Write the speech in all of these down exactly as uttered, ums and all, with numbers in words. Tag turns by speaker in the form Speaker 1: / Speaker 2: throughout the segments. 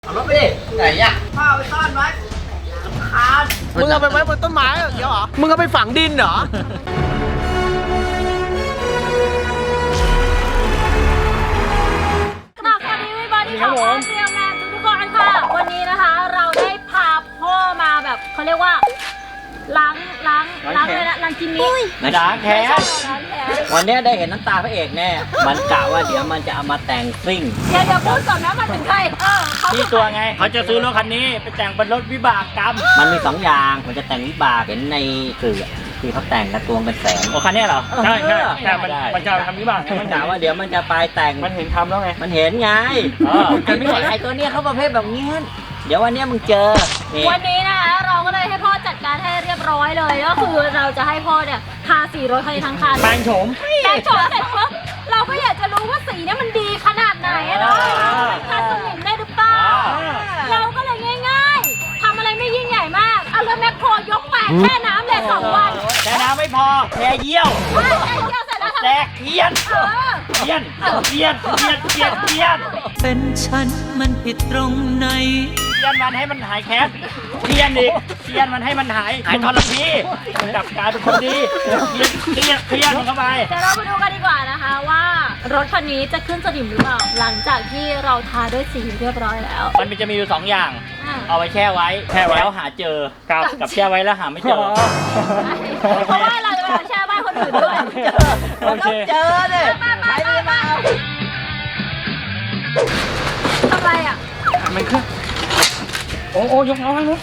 Speaker 1: เอารถไปดิไหนอ่ะพ่อไปซ่อนไว้คานมึงเอาไปไว้บนต้นไม้เหรอเดี๋ยวเหรอมึงเอาไปฝังดินเหรอ
Speaker 2: สวัสดีวิบอดี้ของพ่อเซียมแมนทุกคนค่ะวันนี้นะคะเราได้พาพ่อมาแบบเขาเรียกว่าล้างล้างล้างเลยนะล้างกินนี้
Speaker 3: ล้างแค้น
Speaker 2: ล้างแค้น
Speaker 3: วันนี้ได้เห็นน้ำตาพระเอกแน่ มันกะว่าเดี๋ยวมันจะเอามาแต่งซิ่ง
Speaker 2: เดี๋ยวเดี๋ยวพูดก่อนนะมันเป็นใครเออเขา
Speaker 3: ที่ตัวไงเขาจะซื้อรถคันนี้ไปแต่งเป็นรถวิบากกรรม มันมีสองอย่าง มันจะแต่งวิบากเห็นในสื่อที่เขาแต่งกระตวงเป็นแสนโอ้คันนี้เหรอ
Speaker 4: ใช่ใช่ใช่มัน
Speaker 3: ได้
Speaker 4: มันจะทำวิบาก
Speaker 3: มันกะว่าเดี๋ยวมันจะไปแต่ง
Speaker 4: มันเห็นทำแล้วไง
Speaker 3: มันเห็นไง
Speaker 4: เออ
Speaker 3: ไอ้ไม่ไอ้ตัวเนี้ยเขาประเภทแบบเงี้ยเดี๋ยววันเนี้ยมึงเจอนี่
Speaker 2: วันนี้นะคะเราก็เลยให้พ่อจัดการให้เรียบร้อยเลยก็คือเราจะให้พ่อเนี่ยทาสีรถคันนี้ทั้งคัน
Speaker 4: แปลงโฉม
Speaker 2: แปรงโฉมเสร็จปุ๊บเราก็อยากจะรู้ว่าสีเนี่ยมันดีขนาดไหนอะเนาะมันทาสนิมได้หรือเปล่าเราก็เลยง่ายๆทำอะไรไม่ยิ่งใหญ่มากเอารถแมคโครยกแปะแช่น้ำเลยสองวัน
Speaker 3: แต่น้ำไม่พอแค่เยี่ยว
Speaker 2: ไม่ใช่เที่ยวเสร็จแล้วทำ
Speaker 3: แตกเทียน
Speaker 2: เออ
Speaker 3: เทียนเทียนเทียนเทียนเทียน
Speaker 5: เป็นฉันมันผิดตรงไหน
Speaker 3: เทียนมันให้มันหายแค้นเทียนอีกเทียนมันให้มันหายหายทรพีกลับกลายเป็นคนดีเทียนเทียนเทียนมันเข้าไป
Speaker 2: เดี๋ยวเราไปดูกันดีกว่านะคะว่ารถคันนี้จะขึ้นสนิมหรือเปล่าหลังจากที่เราทาด้วยสีเรียบร้อยแล้ว
Speaker 3: มันจะมีอยู่สองอย่าง
Speaker 2: อ่ะ
Speaker 3: เอาไว้แช่ไว้
Speaker 4: แช่ไว้
Speaker 3: แล้วหาเจอ
Speaker 4: ครับ
Speaker 3: กับแช่ไว้แล้วหาไม่เจอ
Speaker 2: เพราะว่าเราจะมาแช่บ้านคนอื่นด้วย
Speaker 4: โอเค
Speaker 1: เจอเลย
Speaker 2: มามามามาทำไรอ่ะ
Speaker 4: มันขึ้นโอ้โอ้ยกน้องให้นุ๊ก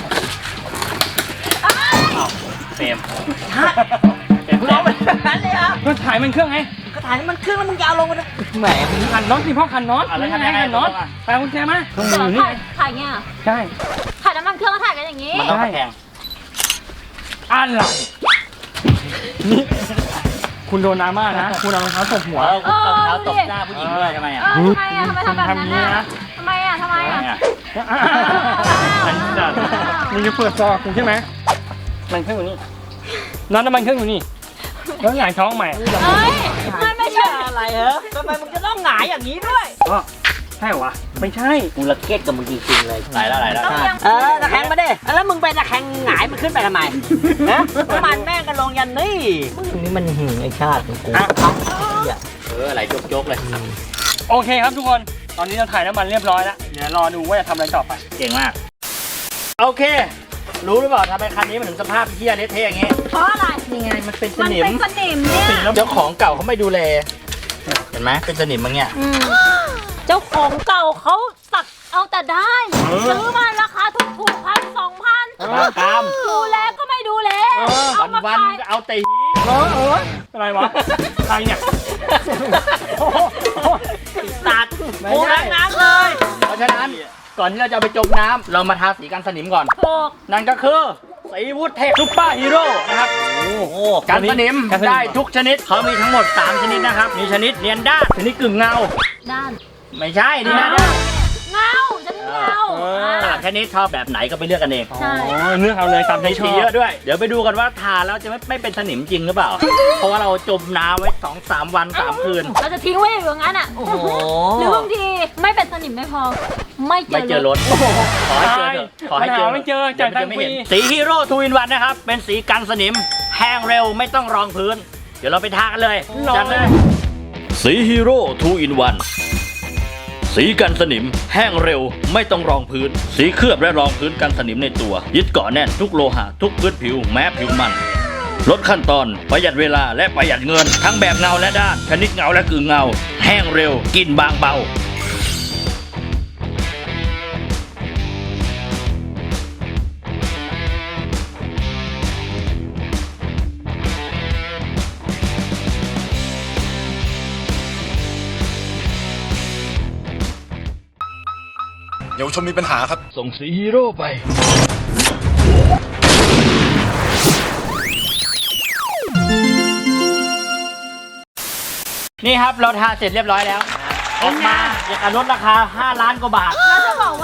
Speaker 3: เฟรม
Speaker 1: เห็นร้องเป็นแบบนั้นเลยเหรอ
Speaker 4: ก็ถ่ายมันเครื่องไง
Speaker 1: ก็ถ่ายมันขึ้นแล้วมึงจะเอาลงมาแหม
Speaker 4: ขันน็อตสิพ่อขันน็อตนี่ไงขันน็อตไปกุญแจมาตรง
Speaker 2: เดี๋ยว
Speaker 4: นี้
Speaker 2: ถ่ายถ่ายเงี้ยเหรอ
Speaker 4: ใช่
Speaker 2: ถ่ายน้ำมันเครื่องก็ถ่ายกันอย่างนี้
Speaker 3: มันต้องตะแคง
Speaker 4: อะไรนี่คุณโดนดราม่านะ คุณเอารองเท้าตบหัว
Speaker 3: เออคุณตบเท้าตบหน้าผู้หญิงด้วยทำไม
Speaker 2: เอ
Speaker 3: อ่ะ
Speaker 2: อทำไมอ่ะทำไมทำแบบนั้นอ่ะทำไมอ่ะทำไมอ่ะ
Speaker 3: เนี่ย
Speaker 4: มันจัดมึงจะเปิดซอกคุณใช่ไหมมันเครื่องอยู่นี่น็อตน้ำมันเครื่องอยู่นี่แล้วหงายท้องใหม่
Speaker 2: เอ้ยมันไม่ใช่
Speaker 1: อะไรเหรอทำไมมึงจะต้องหงายอย่างนี้ด้วย
Speaker 4: ก็ใช่เหรอวะไม่ใช่
Speaker 3: กูระเกียดกับมึงจริงๆเลยไหลแล้วไหลแล้ว
Speaker 2: ต้องยัง
Speaker 1: เออตะแคงมาดิแล้วมึงไปตะแคงหงายมันขึ้นไปทำไมฮะน้ำมันแม่งกันลงยันนี่มึงนี่มันหึงไอ้ชาติของกู
Speaker 4: อ่ะ
Speaker 3: เออไหลโจกๆเลย
Speaker 4: โอเคครับทุกคน ตอนนี้เราถ่ายน้ำมันเรียบร้อยแล้ว เดี๋ยวรอดูว่าจะทำอะไรต่อไป
Speaker 3: เก่งมาก โอเค รู้หรือเปล่าทำไมคันนี้มันถึงสภาพเหี้ยเละเทะอย่างงี้
Speaker 2: เพราะอะไร
Speaker 3: นี่ไงมันเป็นส
Speaker 2: มัน
Speaker 3: นิม
Speaker 2: เป็นสนิมเนี่ย
Speaker 3: เจ้าของเก่าเขาไม่ดูแล เห็นไหมเป็นสนิมมั้งเนี่ย
Speaker 2: อืมเจ้าของเก่าเขาสักเอาแต่ได้
Speaker 4: เออ
Speaker 2: ซื้อมาราคาถูกถูกพันสองพัน
Speaker 3: บ้ากาม
Speaker 2: ดูแลก็ไม่ดูแล เอา
Speaker 3: วัน
Speaker 2: มา
Speaker 3: วัน
Speaker 2: ขาย
Speaker 3: ๆเอาแต่หี
Speaker 4: เออเอออะไรวะ ใครเนี่ยโอ้โห
Speaker 3: ตัดโอ้ล้างน้ำเลย เพราะฉะนั้นก่อนที่เราจะเอาไปจมน้ำเรามาทาสีกันสนิมก่อน
Speaker 2: ถูก
Speaker 3: นั่นก็คือสีวูดเทคซุปเปอร์ฮีโร่นะครับ
Speaker 4: โอ้โห
Speaker 3: กันสนิม
Speaker 4: กันสนิม
Speaker 3: ได้ทุกชนิดเขามีทั้งหมดสามชนิดนะครับ มีชนิดเนียนด้านชนิดกึ่งเงา
Speaker 2: ด้าน
Speaker 3: ไม่ใช่นี่นะด้าน
Speaker 2: เงาจะเงา
Speaker 4: เออ
Speaker 3: สามชนิดชอบแบบไหนก็ไปเลือกกันเอง
Speaker 2: ใช่
Speaker 4: อ๋อเลือกเอาเลยตามใจ
Speaker 3: ใน
Speaker 4: ช
Speaker 3: สี
Speaker 4: อบ
Speaker 3: เยอะด้วย เดี๋ยวไปดูกันว่าทาแล้วจะไม่ไม่เป็นสนิมจริงหรือเปล่า เพราะว่าเราจมน้ำไว้สองสามวันสามคืน
Speaker 2: เราจะทิ้งไว้อยู่อย่างนั้นอ่ะ
Speaker 1: โอ้โห
Speaker 2: หรือบางทีไม่เป็นสนิมไม่พอ ไม่เจ
Speaker 3: ไม่
Speaker 2: อ
Speaker 3: เจอรถ ขอให้เจอเถอะขอให้เจอ
Speaker 4: หาไม่เจอจ่ายตังค์
Speaker 3: ไม่
Speaker 4: ฟรี
Speaker 3: เห็นสีฮีโร่ทูอินวันนะครับ เป็นสีกันสนิม แห้งเร็วไม่ต้องรองพื้น เดี๋ยวเราไปทากันเลยจัดเลย
Speaker 6: สีฮีโร่ทูอินวันสีกันสนิม แห้งเร็วไม่ต้องรองพื้น สีเคลือบและรองพื้นกันสนิมในตัว ยึดเกาะแน่นทุกโลหะทุกพื้นผิวแม้ผิวมันลดขั้นตอนประหยัดเวลาและประหยัดเงิน ทั้งแบบเงาและด้านชนิดเงาและกึ่งเงา แห้งเร็วกลิ่นบางเบา
Speaker 7: เยาวชนมีปัญหาครับ
Speaker 6: ส่งสีฮีโร่ไป
Speaker 3: นี่ครับเราทาเสร็จเรียบร้อยแล้ว ออกมาอยากลดราคาห้าล้านกว่าบาท
Speaker 2: เราจะบอกว่าทา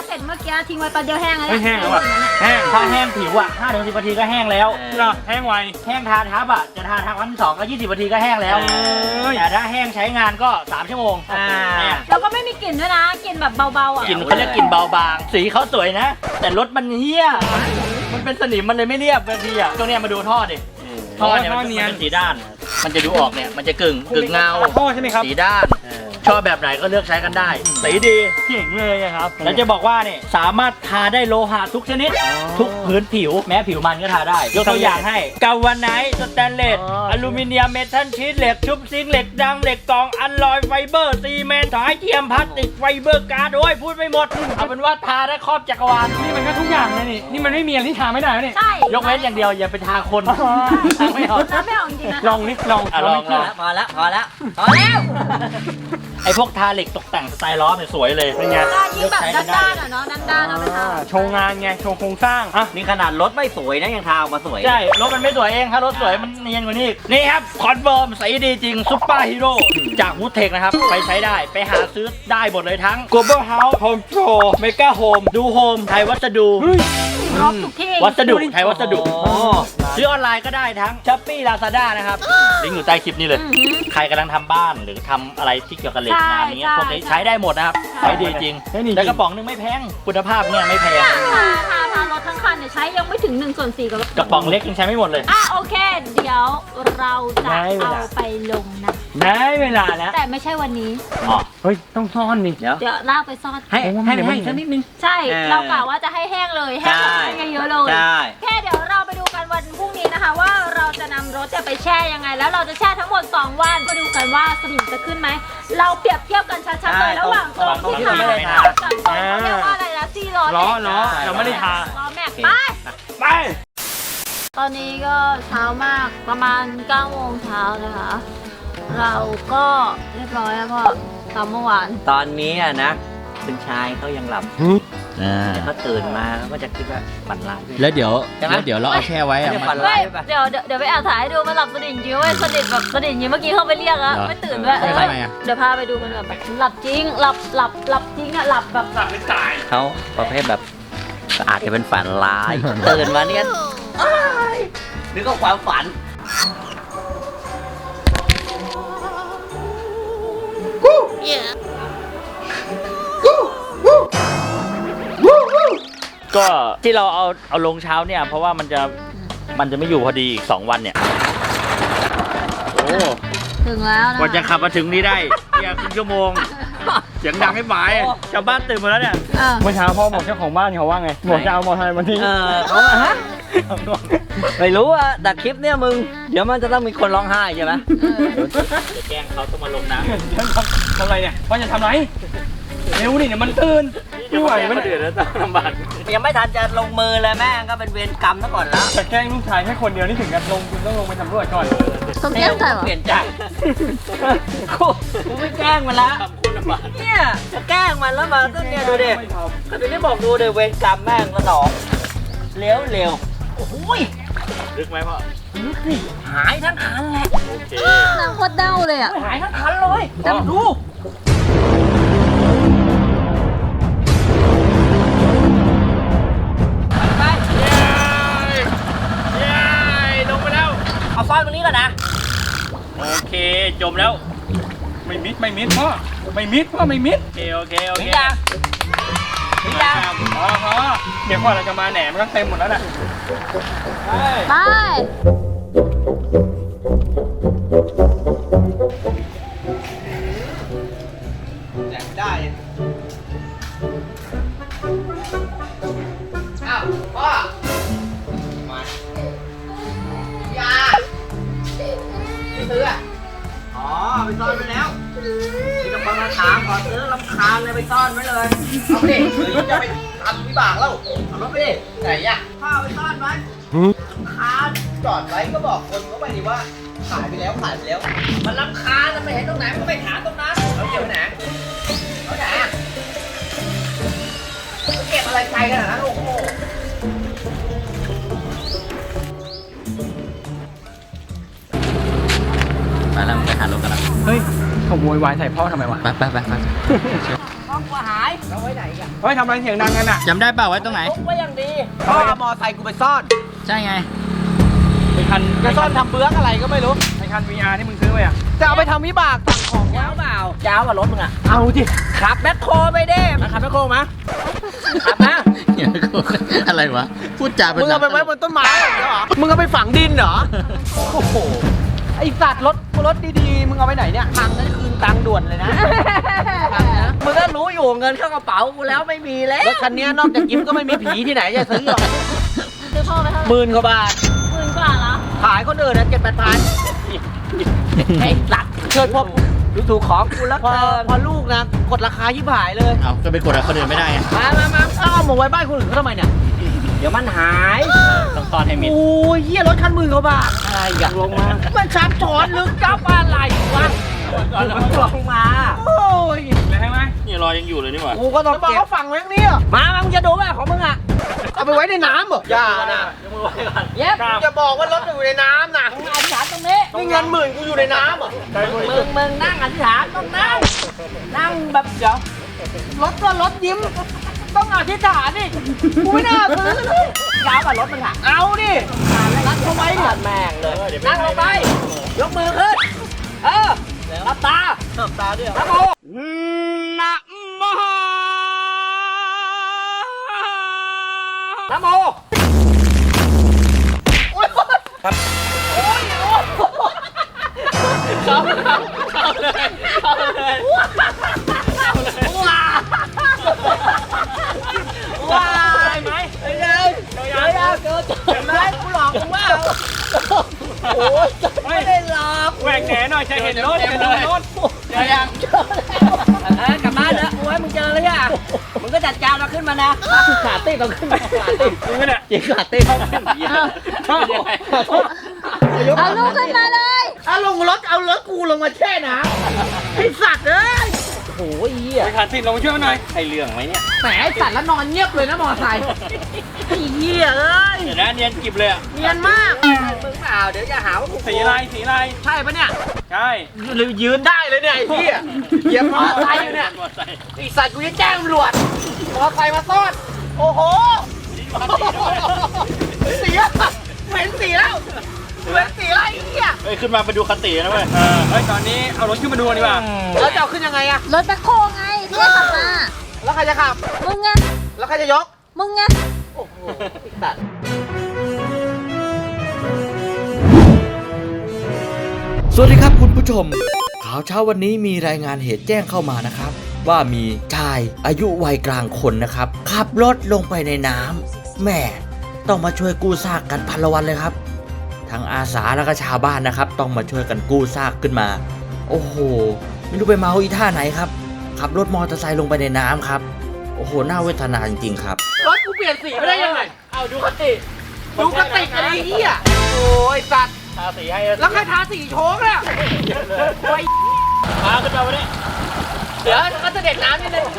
Speaker 2: เสร็จเมื่อกี้ทิ้งไว้แป๊บเดียวแห้งแล้ว
Speaker 4: ไม่แห้งแล้วอ่ะแห้ง
Speaker 3: ถ้าแห้งผิวอ่ะห้าถึงสิบนาทีก็แห้งแล้ว
Speaker 4: เหรอแห้งไว
Speaker 3: แห้งทาทับอ่ะจะทาทับวันที่สองก็ยี่สิบนาทีก็แห้งแล้ว
Speaker 4: เอ้ย
Speaker 3: แต่ถ้าแห้งใช้งานก็สามชั่วโมง
Speaker 1: อ่า
Speaker 3: เนี่ย
Speaker 2: แล้วก็ไม่มีกลิ่นด้วยนะกลิ่นแบบเบาๆอ่ะ
Speaker 3: กลิ่นเขาเรียกกลิ่นเบาบาง สีเขาสวยนะ แต่รถมันเฮี้ย มันเป็นสนิมมันเลยไม่เรียบบางทีอ่ะตรงเนี้ยมาดูท่อดิ ท่อเนี่ยมันจะเป็นสีด้าน มันจะดูออกเนี่ย มันจะกึ่งกึ่งเงา
Speaker 4: ท่อใช่ไหมครับ
Speaker 3: สีด้าน ชอบแบบไหนก็เลือกใช้กันได้ สีดี
Speaker 4: เก่งเลยอะครับ
Speaker 3: แล้วจะบอกว่าเนี่ยสามารถทาได้โลหะทุกชนิด ทุกพื้นผิว แม้ผิวมันก็ทาได้ ยกตัวอย่างให้กาวาไนท์สแตนเลส
Speaker 4: อ๋ออ
Speaker 3: อลูมิเนียมเมทัลชีทเหล็กชุบซิงค์เหล็กดังเหล็กกรองอัลลอยไฟเบอร์ซีเมนต์สายเทียมพลาสติกไฟเบอร์การ์ดโอ้ยพูดไม่หมด เอาเป็นว่าทาได้ครอบจักรวาล
Speaker 4: นี่มันก็ทุกอย่างเลยนี่นี่มันไม่มีอะไรที่ทาไม่ได้แล้วนี่
Speaker 2: ใช่
Speaker 3: ยกเว้นอย่างเดียวอย่าไปทาคน
Speaker 4: อ๋อ
Speaker 3: ทาไม่ออก
Speaker 2: แล้วไม่ออกจริงๆนะ
Speaker 4: ลองนิดลอง
Speaker 3: อ่ะลองลอง
Speaker 1: พอแล้วพอแล้วพอแล้ว
Speaker 3: ไอพวกทาเหล็กตกแต่งสไตล์ล้อเนี่ยสวยเลย
Speaker 4: เป็นไง
Speaker 2: ได้ยิ่งแบบด้านๆอ่ะเนาะด้านๆเอาไปท
Speaker 4: อ่าโชว์งานไงโชว์โครงสร้างอ่ะ
Speaker 1: นี่ขนาดรถไม่สวยนะยังทาออกมาสวย
Speaker 3: ใช่ รถมันไม่สวยเองถ้ารถสวยมันเนียนกว่านี้อีกนี่ครับ คอนเฟิร์มสีดีจริงซุปเปอร์ฮีโร่จากวูดเทคนะครับ ไปใช้ได้ไปหาซื้อได้หมดเลยทั้ง Global House Home Pro Mega Home ดูโฮมไทยวัสดุ
Speaker 4: เฮ้ย
Speaker 2: ำครบทุกที่
Speaker 3: วัสดุไทยวัสดุ
Speaker 1: โอ้
Speaker 3: ซื้อออนไลน์ก็ได้ทั้ง Shopee Lazada นะครับ ลิงก์อยู่ใต้คลิปนี้เลย ใครกำลังทำบ้านหรือทำอะไรที่เกี่ยวกับเหล็กงานนี้ยพวกนี้ใช้ได้หมดนะครับ ใช้ดีจริง
Speaker 4: ใช้ดีจริง
Speaker 3: แล้วกระป๋องนึงไม่แพงคุณภาพเนี่ยไม่แพง
Speaker 2: ทาทาทารถทั้งคันเนี่ยใช้ยังไม่ถึงหนึ่งส่วนสี่กับรถ
Speaker 3: กระป๋องเล็กยังใช้ไม่หมดเลย
Speaker 2: อ่ะโอเค เดี๋ยวเราจะเอาไปลงนะ
Speaker 4: ได้เวลาแล้ว
Speaker 2: แต่ไม่ใช่วันนี้
Speaker 3: อ๋อ
Speaker 4: เฮ้ยต้องซ่อนนี่
Speaker 1: เดี๋ยว
Speaker 2: เดี๋ยวลากไปซ่อน
Speaker 1: ให้ให้ให้สักนิดนึง
Speaker 2: ใช่
Speaker 1: เออ
Speaker 2: เรากะว่าจะให้แห้งเลยแห้งแบบให้เยอะๆเลย
Speaker 1: ใช่
Speaker 2: แค่เดี๋ยวเราไปดูกันวันพรุ่งนี้นะคะ ว่าเราจะนำรถจะไปแช่ยังไง แล้วเราจะแช่ทั้งหมดสองวันมาดูกันว่าสนิมจะขึ้นไหมเราเปรียบเทียบกันชัดๆเลยระหว่างตรงที่ทากับตรงเขาเรียกว่าอะไรนะซี่ล้อ
Speaker 4: ล้อ
Speaker 2: แม็กซ์
Speaker 4: ล้อเราไม่ได้ทา
Speaker 2: ล้อแม็กซ์ไป
Speaker 4: ไป
Speaker 2: ตอนนี้ก็เช้ามากประมาณเก้าโมงเช้านะคะ เราก็เรียบร้อยแล้วพ่อตามเมื่อวาน
Speaker 1: ตอนนี้อะนะคุณชายเขายังหลับแต่เขาตื่นมาเขาก็จะคิดว่าฝันร้าย
Speaker 6: แล้วเดี๋ยว
Speaker 1: ใช่ไหม
Speaker 6: แล้วเดี๋ยวเราเอาแช่ไว้อะ
Speaker 1: จะ
Speaker 6: มัน
Speaker 1: ฝัน
Speaker 2: เฮ้
Speaker 1: ร้าย
Speaker 2: ย
Speaker 1: หรือเปล่า
Speaker 2: เดี๋ยวเดี๋ยวเดี๋ยวไปแอบถ่ายให้ดูมันหลับสนิทจริงเว้ยสนิทแบบสนิทจริงเมื่อกี้เข้าไปเรียกแล้ว
Speaker 6: เหรอ
Speaker 2: ไม่ตื่นด้วยเออ
Speaker 6: ทำไมอะ
Speaker 2: เดี๋ยวพาไปดูมันแบบหลับจริงหลับหลับหลับจริงอะหลับแบบ
Speaker 1: เขาประเภทแบบอาจจะเป็นฝันร้าย ตื่นมาเนี่ยอ้ายนึกว่าความฝัน
Speaker 3: ก็ที่เราเอาเอาลงเช้าเนี่ยเพราะว่ามันจะมันจะไม่อยู่พอดีอีกสองวันเนี่ย โอ้
Speaker 2: ถึงแล้วนะ
Speaker 3: กว่าจะขับมาถึงนี้ได้เนี่ยครึ่งชั่วโมงเสียงดังให้หมายชาวบ้านตื่นหมาแล้วเนี่ย
Speaker 2: เออ
Speaker 4: เมื่อเช้าพ่อบอกเจ้าของบ้านเขาว่าไงบอกจะเอามอเตอร์ไซค์มาทิ้ง
Speaker 1: เออเขาอะฮะ ไม่รู้อะแต่คลิปเนี่ยมึง เดี๋ยวมันจะต้องมีคนร้องไห้ใช่ไหม
Speaker 3: จะแกล้งเขาต้องมาลงน้
Speaker 4: ทำอะไรเนี่ยว่าจะทำไรเร็วดิเดี๋ยวมันตื่น
Speaker 3: ำ
Speaker 4: ไม่ไหวมัน
Speaker 3: เดือดแล้วต้องลำบาก
Speaker 1: ยังไม่ทันจะลงมือเลยแม่งก็เป็นเวรกรรมซะก่อนแล้ว
Speaker 4: จะแกล้งลูกชายแค่คนเดียวนี่ถึงกับลงคุณต้องลงไปสำรวจก่อน
Speaker 2: ต้องแก้ใส่เหรอ
Speaker 1: เปลี่ยนใจกูกูไม่แกล้งมันละ
Speaker 3: ทำคุณลำบาก
Speaker 1: เนี่ยจะแกล้งมันแล้วมาต้นเนี่ยดูดิ
Speaker 4: ไม่ทำ
Speaker 1: ก็ถึงได้บอกดูเดี๋ยวเวรกรรมแม่งสนองเร็วเร็วโอ้โหย
Speaker 3: ลึกไหมพ่อ
Speaker 1: นึกสิหายทั้งคันแหละ
Speaker 3: โอเค
Speaker 2: น้ำโคตรเด้าเลยอะ
Speaker 1: หายทั้งคันเลยจำดู ไป
Speaker 3: เย้เย้ลงไปแล้ว
Speaker 1: เอาสร้อยตรงนี้ก่อนนะ
Speaker 3: โอเคจมแล้ว
Speaker 4: ไม่มิดไม่มิดพ่อไม่มิดพ่อไม่มิด
Speaker 3: โอเคโอเคโอ
Speaker 1: ถึ
Speaker 3: เค
Speaker 1: งยังถึงยัง
Speaker 4: พอพอเดี๋ยวก่อนเราจะมาแหนมันก็เต็มหมดแล้วน่ะไป
Speaker 2: ไป
Speaker 1: ได้อ้าวพ่อมาอย่าไม่ซื้ออ่ะอ๋อไปซ่อนไว้แล้วมีแต่คนมาถามขอซื้อลำคาญเลยไปซ่อนไว้เลยเอาไปดิหรือจะไปทำวิบากแล้วเอารถไปดิไหนอ่ะพ่อไปซ่อนไว้ลำคาญจอดไว้ก็บอกคนเขาไปดิว่าขายไปแล้วขายไปแล้ว มันลำคาญมันไม่เห็นตรงไหนมันก็ไปหาตรงนั้นเอาเก็บไว้ไหนเอาไหนอ่ะมันเก็บอะไรไกลขนาดนั้นโอ้โห
Speaker 6: มาแล้วไปหารถกันละ
Speaker 4: เฮ้ยเขาโวยวายใส่พ่อทำไมวะ
Speaker 6: ไปไปไปไป
Speaker 1: ห้องกลัวหายเอาไว้ว้ไหนกัน
Speaker 4: เฮ้ยทำอะไรเสียงดังกันอ่ะ
Speaker 3: จำได้เปล่าไว้ตรงไหน
Speaker 1: ไว้อย่างดีพ่อเอามอไซค์กูไปซ่อน
Speaker 3: ใช่ไง
Speaker 4: ไอ้คัน
Speaker 1: จะซ่อนทำเบื้องอะไรก็ไม่รู้
Speaker 4: ไอ้คัน วี อาร์ ที่มึงซื้อไปอ่ะ
Speaker 1: จะเอาไปทำวิบากสั่งของยาวเปล่ายาวกว่ารถมึงอ่ะ
Speaker 4: เอาจิ
Speaker 1: ขับแบ็คโคไปเด้มาขับแบ็คโคมาขับนะ
Speaker 3: อะไรวะ พูดจาเป็น
Speaker 1: มึงเอาไปไว้บนต้นไม้เหรอมึงเอาไปฝังดินเหรอโอ้โหไอสัตว์รถรถดีๆมึงเอาไปไหนเนี่ยพังนั่นคืนตังค์ด่วนเลยนะพังนะมึงก็รู้อยู่เงินเข้ากระเป๋ากูแล้วไม่มีแล้วรถคันนี้นอกจากยิ้มก็ไม่มีผีที่ไหนจะซื้อหรอก
Speaker 2: ซื้อพ่อไปเท่าไหร่
Speaker 1: หมื่นกว่าบาท
Speaker 2: หมื่นกว่าเหรอ
Speaker 1: ขายคนอื่นนะเจ็ดแปดพันไอ้สัตว์เกิดพอดูถูกของกูแล้วพอพอลูกนะกดราคายิบหายเลย
Speaker 3: เอาก็ไปกดอะไรคนอื่นไม่ได้ไง
Speaker 1: มามามาเอาหมกไว้บ้านคนอื่นเขาทำไมเนี่ยเดี๋ยวมันหาย
Speaker 3: ต้องซ่อนให้มิด
Speaker 1: โอ้ยเหี้ยรถคันหมื่นกว่าบาทอะไรกันลงมามันซับซ้อนลึกลับอะไรวะมันลงมาโอ้ย
Speaker 4: เลยให้ไหม
Speaker 3: นี่รอยยังอยู่เลยนี่หว่า
Speaker 1: กูก็ต้องบอกเขาฟังไว้ตรงนี้มามามึงจะดูไหมของมึงอ่ะเอาไปไว้ในน้ำเหรออย่านะเย็บจะบอกว่ารถอยู่ในน้ำนะ
Speaker 2: มึงอธิษฐานตรงนี้
Speaker 1: นี่เงินหมื่นกูอยู่ในน้ำเหรอ
Speaker 2: มึงมึงนั่งอธิษฐานต้องนั่ง นั่งแบบเดี๋ยว
Speaker 1: รถก็รถยิ้มต้องอธิษฐานดิกูไม่น่าซื้อเลยยาวกว่ารถมันค่ะเอาดิรัดเข้าไว้ดิแม่งเลยนั่งลงไปยกมือขึ้นเออหลับตาหลับตาด้วยนะโมนะโมนะโมโอ้ยครับโอ้ยโอ้ยเข้าเลยเข้าเลยเข้าเลยว้าว้าได้ไหมได้เลยได้เลยเกิดเห็นไหมกูหลอกมึงว่าโอ้ยไม่ได้หลอก
Speaker 4: แหวกแหนหน่อยจะเห็นรถเห็นรถ
Speaker 1: เจอยังเออกลับบ้านแล้วโอ้ยมึงเจอแล้วย่ะมึงก็จัดการเราขึ้นมานะขาตีเราขึ้นมาขาตี
Speaker 4: มึงก็เนี่ย
Speaker 1: ยิงขาตีเขาขึ้นยก
Speaker 2: เอาลูกขึ้นมาเลย
Speaker 1: เอาลงรถเอารถกูลงมาแช่น้ำไอสัตว์เอ้ยโอ้ยเหี้ย
Speaker 4: ไอ้คันติดลงมาช่วยมันหน่อยไอเรื่องไหมเนี่ย
Speaker 1: แหมไอสัตว์แล้วนอนเงียบเลยนะมอไซค์ไอ้เหี้ยเอ้ย
Speaker 3: เดี๋ยวนะเนียนกิบเลยอ่ะ
Speaker 1: เนียนมากมึงเปล่าเดี๋ยวจะหาว่ากู
Speaker 4: สีอะไรสีอะไร
Speaker 1: ใช่ปะเนี่ย
Speaker 4: ใช่
Speaker 1: หรือยืนได้เลยเนี่ยไอ้เหี้ยเหยียบมอไซค์อยู่เนี่ยไอสัตว์กูจะแจ้งตำรวจมอไซค์มาซ่อนโอ้โหเสียเหม็นสีแล้วเหม็นสีอะไรไอ้เหี้ย
Speaker 3: เฮ้ยขึ้นมาไปดูคตินะเว้ย
Speaker 4: เออเฮ้ยตอนนี้เอารถขึ้นมาดูดีกว่า
Speaker 1: แล้วจะเอาขึ้นยังไงอะ
Speaker 2: รถแบ็คโฮไงที่ให้ขับมา
Speaker 1: แล้วใครจะขับ
Speaker 2: มึงไง
Speaker 1: แล้วใครจะยก
Speaker 2: มึงไง
Speaker 1: โอ้โหไอ้สัตว์
Speaker 8: สวัสดีครับคุณผู้ชม ข่าวเช้าวันนี้มีรายงานเหตุแจ้งเข้ามานะครับ ว่ามีชายอายุวัยกลางคนนะครับ ขับรถลงไปในน้ำแม่ต้องมาช่วยกู้ซากกันพันละวันเลยครับ ทั้งอาสาแล้วก็ชาวบ้านนะครับ ต้องมาช่วยกันกู้ซากขึ้นมา โอ้โหไม่รู้ไปเมาอีท่าไหนครับ ขับรถมอเตอร์ไซค์ลงไปในน้ำครับ โอ้โหน่าเวทนาจริงๆครับ
Speaker 1: รถกูเปลี่ยนสีไม่ได้ยังไงเอาดูกระติกดูกระติกอะไรเหี้ยโอ้ยสัตว์
Speaker 3: ทาสีให้
Speaker 1: แล้วใครทาสีโชกเนี่ยโอ้ย
Speaker 3: พาขึ้นมาวันนี้
Speaker 1: เดี๋ยวก็จะเด็ดน้ำนิดนึง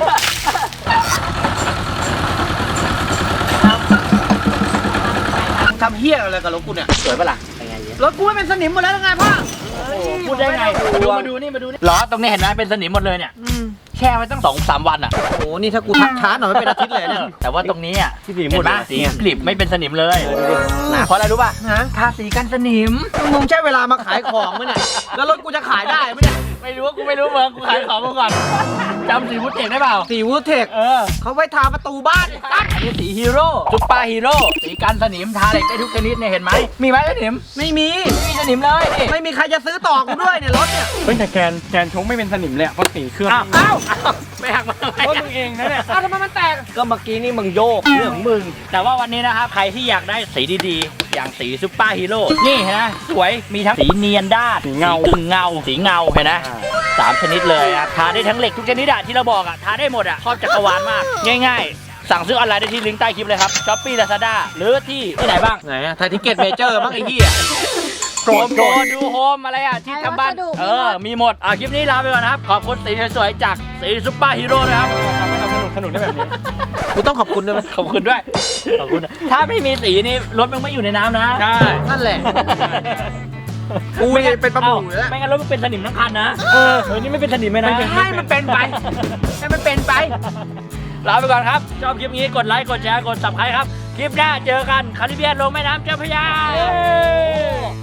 Speaker 1: ทำเหี้ยอะไรกับรถกูเนี่ยสวยปะล่ะรถกูไม่เป็นสนิมหมดแล้วไงพ่อ
Speaker 3: พูดได้ไงดูมาดูนี่มาดูนี่ล้อตรงนี้เห็นไหมเป็นสนิมหมดเลยเนี่ยแช่ไว้ตั้งสองสามวันอ่ะ
Speaker 1: โอ้โหนี่ถ้ากูทักช้าหน่อยไม่เป็นอาทิตย์เลยเนี่ย
Speaker 3: แต่ว่าตรงนี้อ่ะ
Speaker 4: ที่สีห
Speaker 3: เห็
Speaker 4: ม
Speaker 3: น
Speaker 4: ด
Speaker 3: ไหมสีกลิบไม่เป็นสนิมเลยเพราะอะไรรู้ป่ะ
Speaker 1: ฮะ
Speaker 3: ทาสีกันสนิม
Speaker 1: มึงใช้เวลามาขายของมั้ยเนี่ยแล้วรถกูจะขายได้ไหมเนี่ย
Speaker 3: ไม่รู้ว่ากูไม่รู้เมืองกูขายของมาก่อนจำสีพุทธเอกได้เปล่า
Speaker 1: สีวูดเทค
Speaker 3: เออ
Speaker 1: เขาไว้ทาประตูบ้านตั้ง
Speaker 3: อันนี้สีฮีโร่ซุปเปอร์ฮีโร่สีกันสนิมทาเหล็กได้ทุกชนิดเนี่ยเห็นไหมมีไหมสนิม
Speaker 1: ไม่มี
Speaker 3: ไม่มีสนิมเลยนี่
Speaker 1: ไม่มีใครจะซื้อต่อกูด้วยเนี่ยรถเนี่ย
Speaker 4: เฮ้ยแต่แกนแกนชงไม่เป็นสนิมเลยอะเพราะสีเครื่อง
Speaker 3: อ้าวอ้าวไม่หักมา
Speaker 4: เพราะมึงเองนะเนี่ย
Speaker 1: อ้าวทำไมมันแตกก็เมื่อกี้นี่มึงโยกเรื่องของมึง
Speaker 3: แต่ว่าวันนี้นะครับใครที่อยากได้สีดีๆ อย่างสีซุปเปอร์ฮีโร่นี่เห็นไหมสวยมีทั้งสีเนียนด้าน
Speaker 4: สีเงา
Speaker 3: กึ่งเงาสีเงาเห็นไหมสามชนิดเลยอะทาได้ทั้งเหล็กทุกชนิดอะที่เราบอกอะทาได้หมดอะครอบจักรวาลมากง่ายๆ สั่งซื้อออนไลน์ได้ที่ลิงก์ใต้คลิปเลยครับช้อปปี้ลาซาด้าหรือที่ที่ไหนบ้าง
Speaker 1: ไหนอะไทยทิเก็ตเมเจอร์บ้างไอ้เหี้ย
Speaker 3: โกรธโกรธดูโฮมอะไรอ่ะที่ทำบ้านเออมีหมดอ่ะคลิปนี้ลาไปก่อนนะครับ ขอบคุณสีสวยๆจากสีซุปเปอร์ฮีโร่นะครับ
Speaker 4: ทำให้เราสนุกสนุกได้แบบนี้
Speaker 1: กูต้องขอบคุณด้วยไหม
Speaker 3: ขอบคุณด้วยขอบคุณนะถ้าไม่มีสีนี่รถมันไม่อยู่ในน้ำนะ
Speaker 4: ใช่
Speaker 1: นั่นแหละ กูเนี่ยเป็นประมูลแล้ว
Speaker 3: ไม่งั้นรถมันเป็นสนิมทั้งคันนะเออเฮ้ยนี่ไม่เป็นสนิมไหมนะ
Speaker 1: ให้มันเป็นไปให้มันเป็นไป
Speaker 3: ลาไปก่อนครับชอบคลิปนี้กดไลค์กดแชร์กด ซับสไครบ์ ครับคลิปหน้าเจอกันคาริเบียนลงแม่น้ำเจ้าพระยา